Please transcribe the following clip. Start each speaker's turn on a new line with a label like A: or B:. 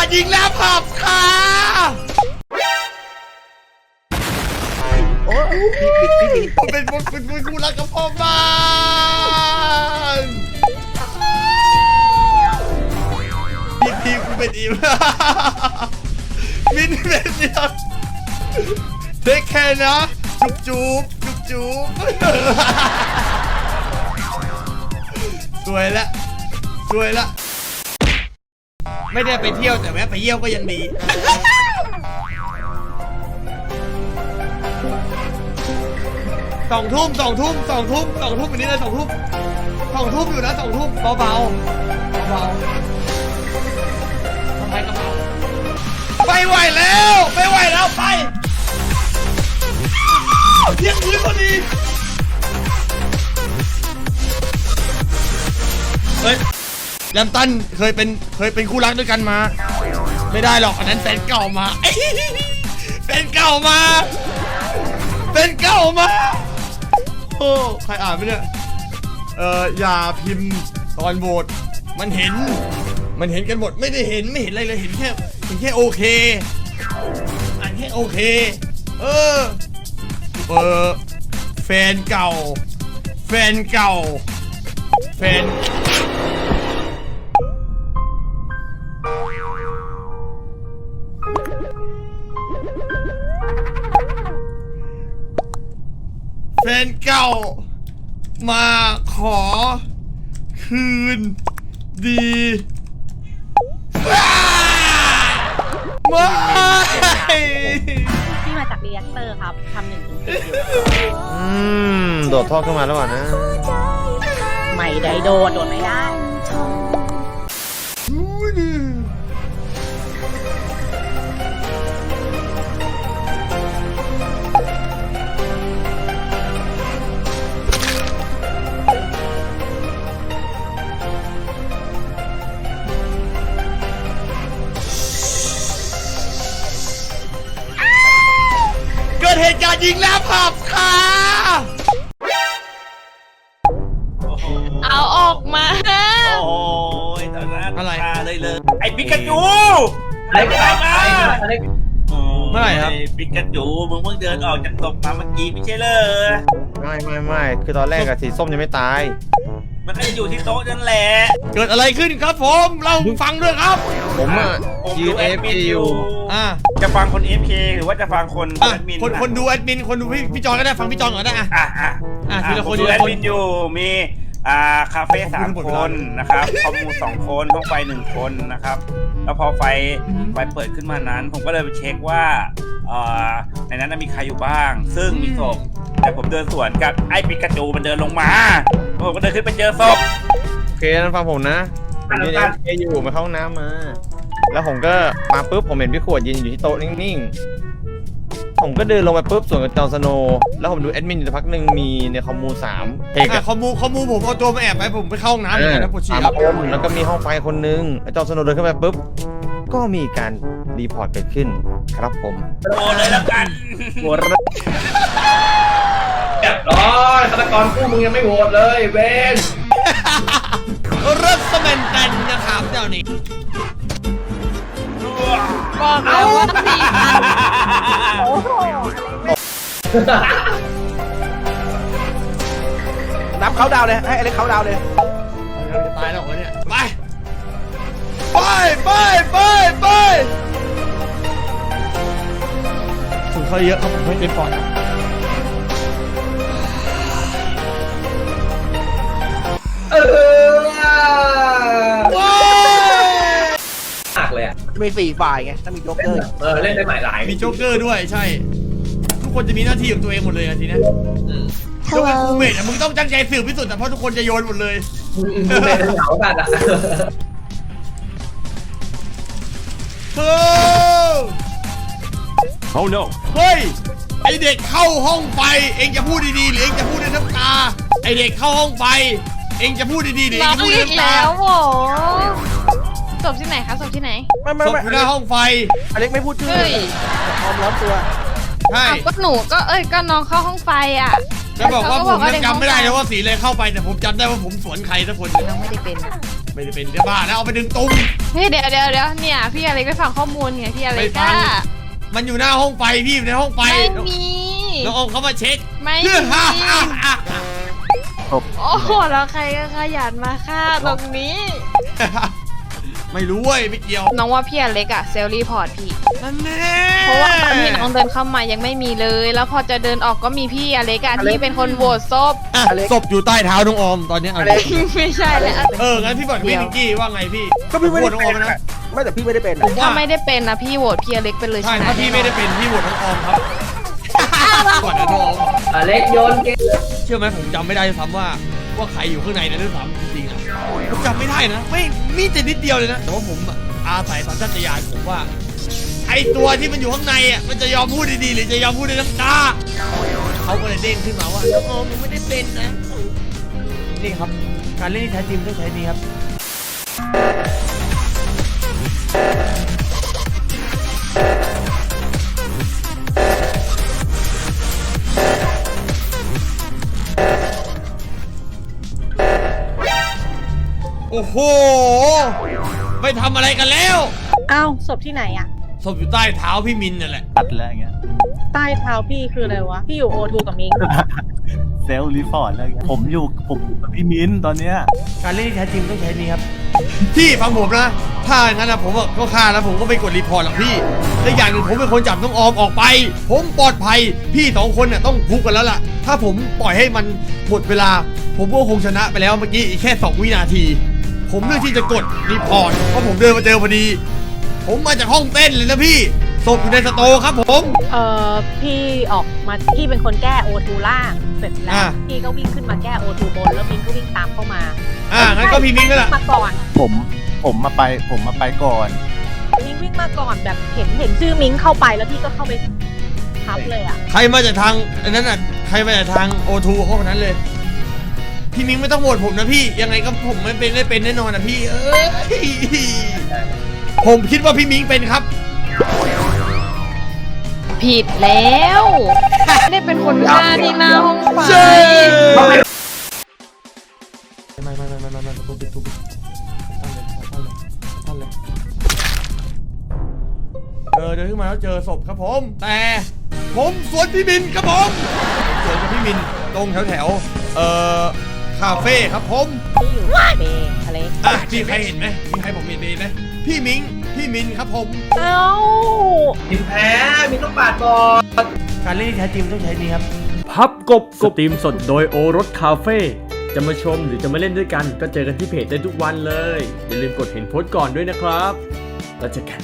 A: การยิงแล้วผับค่ะโอ้เป็นคู่รักกับพ่อบ้านทีกูเป็นอีมมินเป็นเดียวเทคแคร์นะจุ๊บสวยละไม่ได้ไปเที่ยวแต่แวะไปเยี่ยวก็ยังดี2 ทุ่มอันนี้เลย2 ทุ่มอยู่นะ2 ทุ่มเบาทำไมกระเป๋าไม่ไหวแล้วไปเที่ยงคืนพอดีเฮ้ยแลมตันเคยเป็นคู่รักด้วยกันมาไม่ได้หรอกอันนั้นแฟนเก่ามาโอ้ใครอ่านไหมเนี่ยอย่าพิมพ์ตอนโหวตมันเห็นกันหมดไม่เห็นอะไรเลยเห็นแค่โอเคอ่านแค่โอเคแฟนเก่าแฟนเก่ามาขอคืนดีไม่
B: ที่มาจากรีแอคเตอร์ครับทำ1 ถึง 4
C: โดดท่อขึ้นมาแล้วก่อนนะ
B: ไม่ได้โดนไม่ได้
A: เกิดเหตุการณ์ยิงแล้วผับค่ะ
B: เอาออกมา
D: โอ้ยตอนนั้น
A: อะไร
D: เลยไอ้ปิกาจู
A: อะไรเมื่อไหร่ครับ
D: ปิกาจูมึงเพิ่งเดินออกจากศพมาเมื่อกี้ไม่ใช่เลย
C: ไม่คือตอนแรกอะสีส้มยังไม่ตาย
D: มันก็อยู่ที่โต๊ะนั่นแหละ
A: เกิดอะไรขึ้นครับผมเล่าฟังด้วยครับ
C: ผมอะยืน AFK อยู่
D: จะฟังคน AFK หรือว่าจะฟังคนแอดมิน
A: คนดูแอดมินคนดูพี่จอนก็ได้ฟังพี่จอนก่อนได้ทีละคน
D: ดูแอดมินอยู่มีคาเฟ่3 คนนะครับคอมมู2 คนห้องไฟ1 คนนะครับแล้วพอไฟเปิดขึ้นมานั้นผมก็เลยไปเช็คว่าในนั้นมีใครอยู่บ้างซึ่งมีศพแต่ผมเดินสวนกับไอ้ปิกาจูมันเดินลงมาผมก็เดินขึ้นไปเจอศพ
C: โอเคนั้นฟังผมนะผมยืน AFK อยู่มาเข้าห้องน้ำมาแล้วผมก็มาปุ๊บผมเห็นพี่ขวดยืนอยู่ที่โต๊ะนิ่งๆผมก็เดินลงไปปุ๊บส่วนกับจอห์นสโนว์แล้วผมดูแอดมินอยู่สักพักหนึ่งมีในคอมมู3เพก
A: คอมมูผมเอาตัวมาแอบไปผมไปเข้าห้องน้ำเลยนะปวดฉี่
C: แล้วก็มีห้องไฟคนนึงจอห์นสโนว์เดินขึ้นไปปุ๊บก็มีการรีพอร์ตเกิดขึ้นครับผม
D: โอ้เลยแล้วกัน
C: โหวต
E: เรียบร้อยฆาตกรคู่มึงยังไม่โหวตเลยเวน
A: รัสเมนกันนะครับเจ้านี้
B: บอกแล้วว่า4 โอ้โห
E: นับเขาดาวเลยให้อเล็กเขาดาวเลย
A: จะตายแล้วเนี่ยไปถึงเขาเยอะครับผมไม่เป็นปอด
E: มากเลยอ่ะมี4 ฝ่ายไงถ้ามีโจ๊กเกอร์เล่นได้หลายหลาย
A: มีโจ๊กเกอร์ด้วยใช่ทุกคนจะมีหน้าที่ของตัวเองหมดเลยทีนี้ถ้าเป็นคูเมทมึงต้องตั้งใจสืบที่สุดแต่เพราะทุกคนจะโยนหมดเลย
E: ไม่เหงากันอ่ะ
A: โอ้ no เฮ้ยไอเด็กเข้าห้องไฟเองจะพูดดีๆหรือเองจะพูดในน้ำตาไอเด็กเข้าห้องไฟเองจะพูดดีๆหรือเองจะพูดในน้ำตา
B: แล้วโหศพที่ไหนคะศพที่ไหน
A: ศพอยู่หน้าห้องไฟ
E: อเล็กไม่พูดชื่อพร้อมร้อนตัว
A: ใช่
B: ก็หนูก็ก็น้องเข้าห้องไฟอ่ะ
A: จะบอกว่าผมจำไม่ได้แล้วว่าสีเลยเข้าไปแต่ผมจำได้ว่าผมสวนใครสักคน
B: น้องไม่ได้เป็น
A: ไม่ได้เป็นจะบ้าแล้วเอาไปดึงตุ้ม
B: เฮ้ยเดี๋ยวเนี่ยพี่อะไรไปฟังข้อมูลไงพี่อะไร
A: ไม่ฟั
B: ก็
A: ง มันอยู่หน้าห้องไฟพี่อยู่ในห้องไฟ
B: ไม่มี
A: น้องออมเขามาเช็ค
B: ไม่มีโอ้โหแล้วใครก็ขยันมาฆ่าตรงนี้
A: ไม่รู้เว้ยไม่เกี่ยว
B: น้องว่าพี่อเล็กอะเซลรีพอร์ตพี่
A: นั่นแน่
B: เพราะว่าตอนที่น้องเดินเข้ามายังไม่มีเลย แล้วพอจะเดินออกก็มีพี่อเล็กอะที่เป็นคนโหวตซบ
A: อ่ะศพอยู่ใต้เท้าน้องออมตอนนี้เอา
B: ไม่ใช่แล้ว
A: งั้นพี่บอกพี่นิกกี้ว่าไงพี่
E: ก็พี่ไม่ได้
A: โหวตน้องอ
E: เป็
A: อน มนะ
E: ไม่แต่พี่ไม่ได้เป็น
A: ผมว่า
B: ถ้าไม่ได้เป็นนะพี่โหวตพี่อเล็กไปเลย
A: ใช่
B: ชนะ
A: ถ้าพี่ไม่ได้เป็นพี่โหวตน้องออมครับก่อนนะน้องออม
E: เล็กโยนเกม
A: เชื่อไหมผมจำไม่ได้ด้วยซ้ำว่าใครอยู่ข้างในนะด้วยซ้ำจริงๆนะผมจำไม่ได้นะไม่มีแต่นิดเดียวเลยนะแต่ว่าผมอะอาศัยสัญชาตญาณผมว่า ไอตัวที่มันอยู่ข้างในอ่ะมันจะยอมพูดดีๆหรือจะยอมพูดด้วยน้ำตาเขาก็เลยเด้งขึ้นมาว่าน้องออมยังไม่ได้เป็นนะนี่ครับการเล่นที่แท้จริงต้องใช้นี้ครับโอ้โหไปทำอะไรกันแล้ว
F: อ้าวศพที่ไหนอะ
A: ศพอยู่ใต้เท้าพี่มินนั่นแหละ
G: ตัดแล้วอย่างเงี้ย
F: ใต้เท้าพี่คืออะไรวะ พี่อยู่โอทูกับมิง
G: เซลล์รีพอร์ตอะไรเงี้ยผมอยู่กับพี่มิ้นตอนเนี้ย
A: การเล่นที่แท้จริงต้องใช้นี้ครับพี่ฟังผมนะถ้าอย่างนั้นนะผมก็ฆ่าแล้วผมก็ไม่กดรีพอร์ตหรอกพี่และอย่างหนึ่งผมเป็นคนจับน้องออมออกไป ผมปลอดภัยพี่สองคนน่ะต้องคุกกันแล้วล่ะถ้าผมปล่อยให้มันหมดเวลา ผมก็คงชนะไปแล้วเมื่อกี้อีกแค่2 วินาที ผมเลือกที่จะกดรีพอร์ตเพราะผมเดินมาเจอพอดี ผมมาจากห้องเต้นเลยนะพี่ศพอยู่ในสโตร์ครับผม
F: พี่ออกมาพี่เป็นคนแก้โอทูล่างเสร็จแล้ว พี่ก็วิ่งขึ้นมาแก้โอทูบนแล้วมิงก็วิ่งตามเข้ามา
A: งั้นก็พี่มิ้งก็แหละ
F: มาก่อน
G: ผมมาไปก่อน
F: มิงวิ่งมาก่อนแบบเห็นชื่อมิงเข้าไปแล้วพี่ก็เข้าไปทับเลยอะ
A: ใครมาจากทางอันนั้นน่ะใครมาจากทางโอทูเขาคนนั้นเลยพี่มิ้งไม่ต้องโหวตผมนะพี่ยังไงก็ผมไม่เป็นแน่นอนนะพี่เอ้ยผมคิดว่าพี่มิ้งเป็นครับ
B: ผิดแล้วไม่ได้เป็นคนฆ่าที่หน้าห้องไฟ
A: ไม่ทุบตั้งเลยเดินขึ้นมาแล้วเจอศพครับผมแต่ผมสวนพี่มินครับผมสวนกับพี่มินตรงแถวคาเฟ่ครับผม
F: พี่อยู่เบย์อะไร
A: มีใครเห็นไหมมีใครผมเห็นไหมพี่มินครับผม
F: เอ้า
E: มินแพ้มินต้องปาดก่อน
A: การเล่นที่แท้จริงต้องใช้นี้ครับ
H: พับกบสตรีมสดโดยโอรสคาเฟ่จะมาชมหรือจะมาเล่นด้วยกันก็เจอกันที่เพจได้ทุกวันเลย อย่าลืมกดเห็นโพสต์ก่อนด้วยนะครับแล้วเจอกัน